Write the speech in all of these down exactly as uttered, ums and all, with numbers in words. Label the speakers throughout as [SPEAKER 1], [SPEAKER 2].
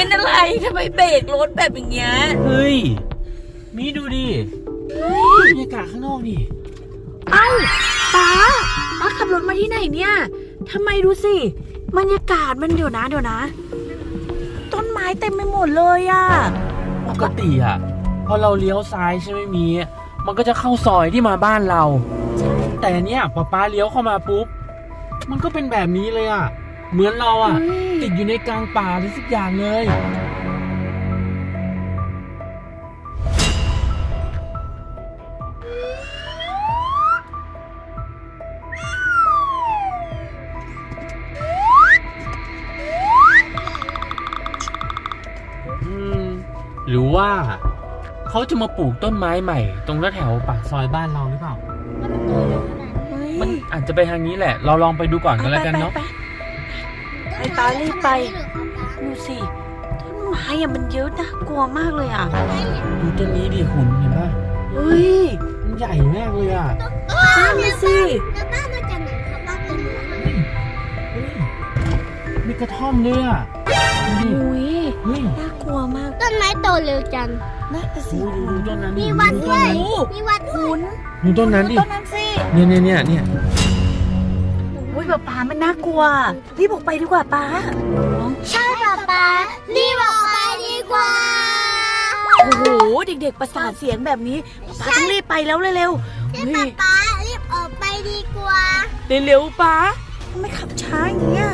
[SPEAKER 1] เป็นอะไรทำไมเบรกรถแบบอย่างเงี้ย
[SPEAKER 2] เฮ้ยมีดูดิบรรยากาศข้างนอกดิ
[SPEAKER 1] เอ้าป้าป้าขับรถมาที่ไหนเนี่ยทำไมดูสิบรรยากาศมันเดี๋ยวนะเดี๋ยวนะต้นไม้เต็มไปหมดเลยอะ
[SPEAKER 2] ปกติอะพอเราเลี้ยวซ้ายใช่ไหมมีมันก็จะเข้าซอยที่มาบ้านเราแต่เนี้ยพอป้าเลี้ยวเข้ามาปุ๊บมันก็เป็นแบบนี้เลยอะเหมือนเราอะติดอยู่ในกลางป่าหรือสักอย่างเลยหรือว่าเขาจะมาปลูกต้นไม้ใหม่ตรงแถวปากซอยบ้านเราหรือเปล่ามันอาจจะไปทางนี้แหละเราลองไปดูก่อนกันแล้วกันเนาะ
[SPEAKER 1] ไปตารีบไปดูสิต้นไม้อะมันเยอะน่ากลัวมากเลยอ่ะ
[SPEAKER 2] ดูต้นนี้ดิคุณเห็นป่ะ
[SPEAKER 1] เฮ้ย
[SPEAKER 2] มันใหญ่มากเลยอ่ะ
[SPEAKER 1] นั่นสิ
[SPEAKER 3] แล้วบ้านมาจากไหนคะบ้านตรงนู้น
[SPEAKER 2] มีกระท่อมด้วยอ่ะ
[SPEAKER 1] อุ้ยน่ากลัวมาก
[SPEAKER 3] ต้นไม้โตเร็วจัง
[SPEAKER 1] น่าสิ
[SPEAKER 2] ดูต้นนั้น
[SPEAKER 3] มีวัดด้วยมีวัดด้วย
[SPEAKER 2] ดูต้นนั้นดิ
[SPEAKER 1] ต้นนั้นสิ
[SPEAKER 2] เนี่ยเนี่ยเนี่ยเนี่ย
[SPEAKER 1] โอ้ยป้ามันน่ากลัวรีบออกไปดีกว่าป้า
[SPEAKER 3] ใช่ป้าป้ารีบออกไปดีกว่า
[SPEAKER 1] โอ้โหเด็กๆประสาทเสียงแบบนี้ป้าต้องรีบไปแล้วเร็ว
[SPEAKER 3] ๆป้าป้ารีบออกไปดีกว่า
[SPEAKER 1] เร็วๆป้าไม่ขับช้าอย่างเงี้ย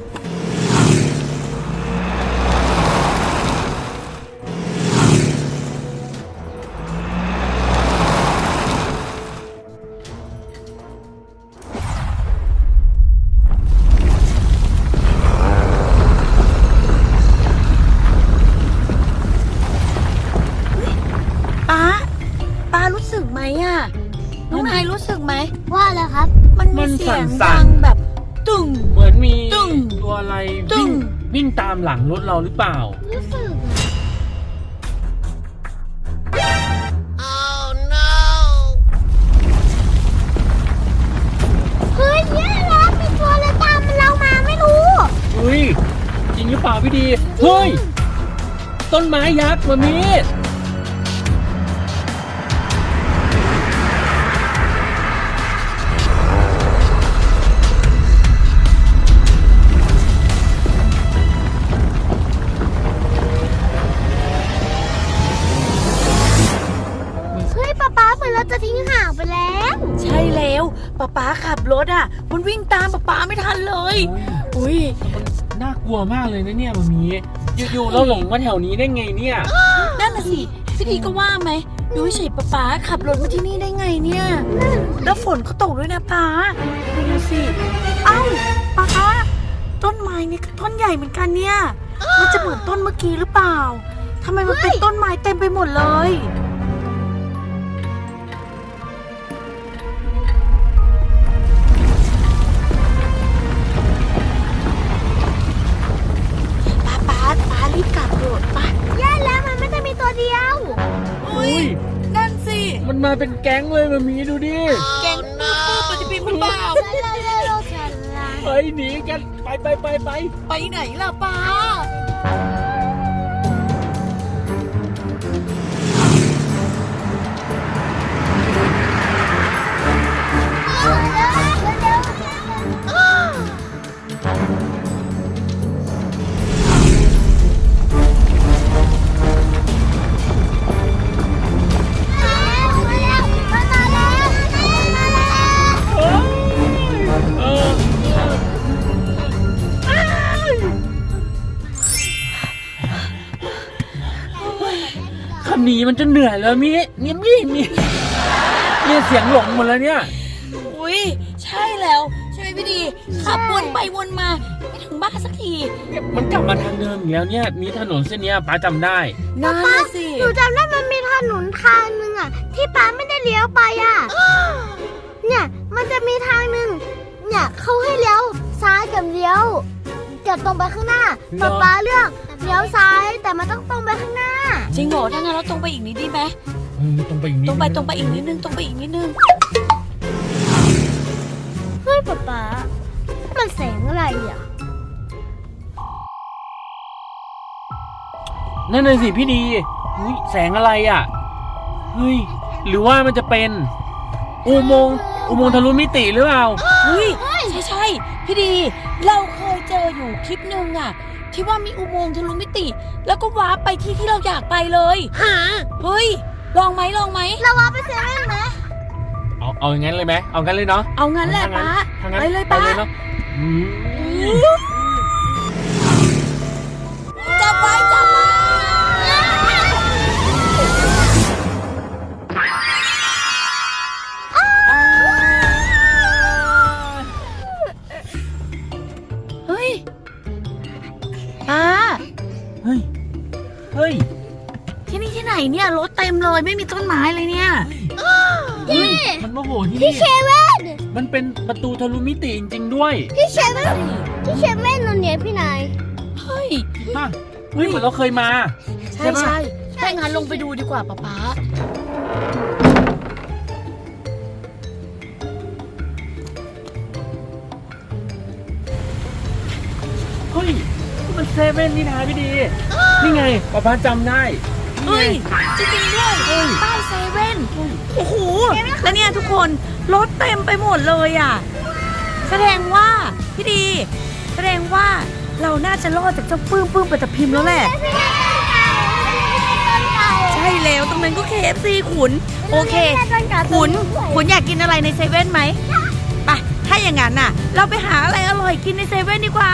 [SPEAKER 1] น้องนายรู้สึกไหม
[SPEAKER 3] ว่าอะไรครับ
[SPEAKER 1] มันมีเสียงดังแบบตึ้ง
[SPEAKER 2] เหมือนมีตัวอะไรวิ่งวิ่งตามหลังรถเราหรือเปล่า
[SPEAKER 3] รู้สึก
[SPEAKER 1] Oh no
[SPEAKER 3] เฮ้ยเนี่ยแล้วมีตัวอะไรตามเรามาไม่รู้
[SPEAKER 2] เฮ้ยจริงหรือเปล่าพี่ดีเฮ้ยต้นไม้ยักษ์มามี
[SPEAKER 3] จะทิ้งห่างไปแล้ว
[SPEAKER 1] ใช่แล้วป๊าป๊าขับรถอ่ะมันวิ่งตามป๊าป๊าไม่ทันเลยอุ้ย
[SPEAKER 2] น่ากลัวมากเลยนะเนี่ยมันมีอยู่ๆเราหลงมาแถวนี้ได้ไงเนี่ย
[SPEAKER 1] นั่นน่ะสิพี่ดีก็ว่าไหมดูเฉยป๊าป๊าขับรถมาที่นี่ได้ไงเนี่ยแล้วฝนก็ตกด้วยนะป๊าดูสิเอ้าป๊าต้นไม้นี่ต้นใหญ่เหมือนกันเนี่ยมันจะเหมือนต้นเมื่อกี้หรือเปล่าทำไมมันเป็นต้นไม้เต็มไปหมดเลยรีบกลับเถอะไป
[SPEAKER 3] แย่แล้วมันไม่ได้มีตัวเดียว
[SPEAKER 1] อุ้ยนั่นสิ
[SPEAKER 2] มันมาเป็นแก๊งเลยมันมีดูดิ
[SPEAKER 1] แก๊งปื้อปื้อปฏิบินมันเปล่า
[SPEAKER 2] ไปหนีกันไปไปไปไป
[SPEAKER 1] ไปไหนล่ะป้า
[SPEAKER 2] หนีมันจะเหนื่อยแล้วมีเนี่ยมีมีเนี่ยเสียงหลงหมดแล้วเนี่ย
[SPEAKER 1] อุ้ยใช่แล้วใช่ไหมพี่ดีขับวนไปวนมาไม่ถึงบ้านสักที
[SPEAKER 2] มันกลับมาทางเดิมอีกแล้วเนี่ยมีถนนเส้นนี้ป้าจำได้
[SPEAKER 1] นั่นสิ
[SPEAKER 3] หนูจำได้มันมีถนนทางนึงอ่ะที่ป้าไม่ได้เลี้ยวไปอ่ะเนี่ยมันจะมีทางนึงเนี่ยเขาให้เลี้ยวซ้ายกับเลี้ยวกับตรงไปข้างหน้าป้าป้าเลือกเลี้ยวซ้ายแต่มันต้องตรงไปข้างหน้า
[SPEAKER 1] จริงเหรอถ้างั้นเราตรงไปอีกนิดดีไหม
[SPEAKER 2] ตรงไปอีกนิด
[SPEAKER 1] ตรงไปตรงไปอีกนิดนึงตรงไปอีกนิดนึง
[SPEAKER 3] เฮ้ยป๊าป๊ามันแสงอะไรอ่ะ
[SPEAKER 2] นั่นเลยสิพี่ดีอุ๊ยแสงอะไรอ่ะเฮ้ยหรือว่ามันจะเป็นอุโมงค์อุโมงค์ทะลุมิติหรือเปล่า
[SPEAKER 1] เฮ้ยใช่ใช่พี่ดี เราเคยเจออยู่คลิปหนึ่งอะที่ว่ามีอุโมงค์ทะลุมิติ แล้วก็วาร์ปไปที่ที่เราอยากไปเลยเฮ้ยลองไหมลองไหม
[SPEAKER 3] เราว่าไปเซเว่นไหม
[SPEAKER 2] เอาเอาอย่างนั้นเลยไหมเอางั้นเลยเนาะ
[SPEAKER 1] เอางั้นแหละป้า
[SPEAKER 2] ถ้างั้น
[SPEAKER 1] ไปเลย
[SPEAKER 2] ไป
[SPEAKER 1] ป้า
[SPEAKER 2] เลยเนาะอืม
[SPEAKER 1] จับไว้จับไว้เฮ้ยป้า
[SPEAKER 2] เฮ้ยเฮ้ย
[SPEAKER 1] ที่นี่ที่ไหนเนี่ยรถเต็มเลยไม่มีต้นไม้เลยเนี่ย
[SPEAKER 3] พี่
[SPEAKER 2] มันมาโหที่
[SPEAKER 3] พี่
[SPEAKER 2] นี่
[SPEAKER 3] เซเว่น
[SPEAKER 2] มันเป็นประตูทะลุมิติจริงๆด้วย
[SPEAKER 3] พี่เซเว่นพี่เซเว่นนนเนี่ยพี่นาย
[SPEAKER 1] เฮ้ย
[SPEAKER 2] ฮะเฮ้ยเหมือนเราเคยมา
[SPEAKER 1] ใช่
[SPEAKER 2] ใช่ปะ
[SPEAKER 1] ใช่ถ้างั้นลงไปดูดีกว่าป๊าป๊า
[SPEAKER 2] เฮ้ยนี่มันเซเว่นนี่นะพี่ดี นี่ไงป้าป้าจำได้
[SPEAKER 1] เฮ้ยจริงๆด้วย
[SPEAKER 2] เฮ้ย
[SPEAKER 1] ป้ายเซเว่นโอ้โหแล้วเนี่ยทุกคนรถเต็มไปหมดเลยอ่ะแสดงว่าพี่ดี แสดงว่าเราน่าจะรอดจากเจ้าปื้มปื้มปัตตพิมพ์แล้วแหละ ใช่แล้วตรงนั้นก็ เค เอฟ ซี ขุน โอเค ขุนขุนอยากกินอะไรในเซเว่นไหมไปถ้าอย่างนั้นน่ะ เราไปหาอะไรอร่อยกินในเซเว่นดีกว่า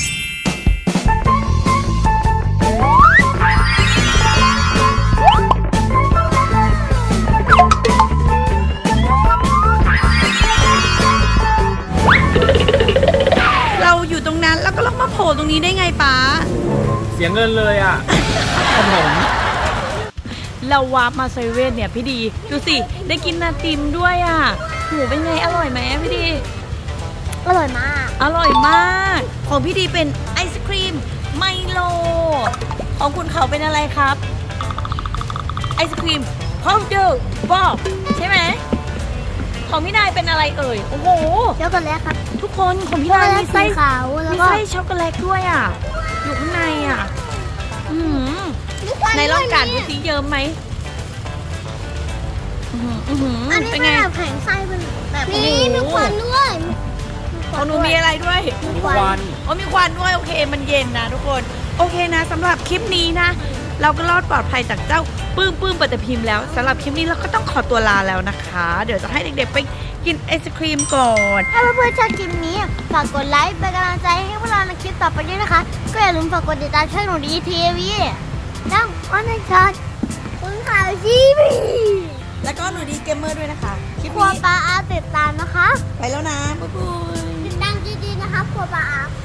[SPEAKER 1] เราอยู่ตรงนั้นแล้วก็ลงมาโผล่ตรงนี้ได้ไงป๊า
[SPEAKER 2] เสียเงินเลยอ่ะขนม
[SPEAKER 1] เราวาร์ปมาเซเว่นเนี่ยพี่ดี ดูสิ ได้กินนาติมด้วยอ่ะหมูเป็นไงอร่อยไหมพี่ดี
[SPEAKER 3] อร่อยมาก
[SPEAKER 1] อร่อยมาก ของพี่ดีเป็นไอศครีมไมโล ของคุณเขาเป็นอะไรครับ ไอศครีมพาวเดอร์บอกใช่ไหม ของพี่นายเป็นอะไรเอ่ย โอ้โห
[SPEAKER 3] ช็อกโกแลตครับ
[SPEAKER 1] ทุกคนของพี่
[SPEAKER 3] ช็อก
[SPEAKER 1] นา
[SPEAKER 3] โก
[SPEAKER 1] ย
[SPEAKER 3] แล
[SPEAKER 1] มี
[SPEAKER 3] ต
[SPEAKER 1] ไส้
[SPEAKER 3] สีขาวแล้ว
[SPEAKER 1] มี
[SPEAKER 3] ก็
[SPEAKER 1] ไส้ช็อกโกแลตด้วยอ่ะ อยู่ข้างในอ่ะ อืมในลองกัดดูสิเยิ้มไหมอื้อหืออื้อหือ
[SPEAKER 3] อันนี้
[SPEAKER 1] เป็น
[SPEAKER 3] เป็
[SPEAKER 1] ไง
[SPEAKER 3] นแบบแข็งไส้เป็นแบบ
[SPEAKER 1] โอ้
[SPEAKER 3] นี้
[SPEAKER 1] โห
[SPEAKER 3] มีควันด้วย
[SPEAKER 1] ของหนูมีอะไรด้วย
[SPEAKER 3] มี
[SPEAKER 2] ค
[SPEAKER 3] ค
[SPEAKER 2] วั
[SPEAKER 3] วัน
[SPEAKER 2] น
[SPEAKER 1] โอ้มีควันด้วยโอเคมันเย็นนะทุกคนโอเคนะสำหรับคลิปนี้นะ เราก็รอดปลอดภัยจากเจ้าปื้มปื้มปัตตพิมพ์แล้วสำหรับคลิปนี้เราก็ต้องขอตัวลาแล้วนะคะ เดี๋ยวจะให้เด็กๆไปกินไอศครีมก่อน
[SPEAKER 3] ถ้าเพื่อนๆชอบคลิปนี้ฝากกดไลค์เป็นกำลังใจให้พวกเราในคลิปต่อไปด้วยนะคะ ก็อย่าลืมฝากกดติดตามช่องหนูดีทีวีดังออนไลน์ช็อตคุณข่าวทีวี
[SPEAKER 1] แล้วก็หนูดีเกมเมอร์ด้วยนะคะคลิป
[SPEAKER 3] ครัว
[SPEAKER 1] นี้
[SPEAKER 3] ปลาอาติดตามนะคะ
[SPEAKER 1] ไปแล้วนะบ๊ายบาย
[SPEAKER 3] ติดตามดีๆนะคะครัวปลาอา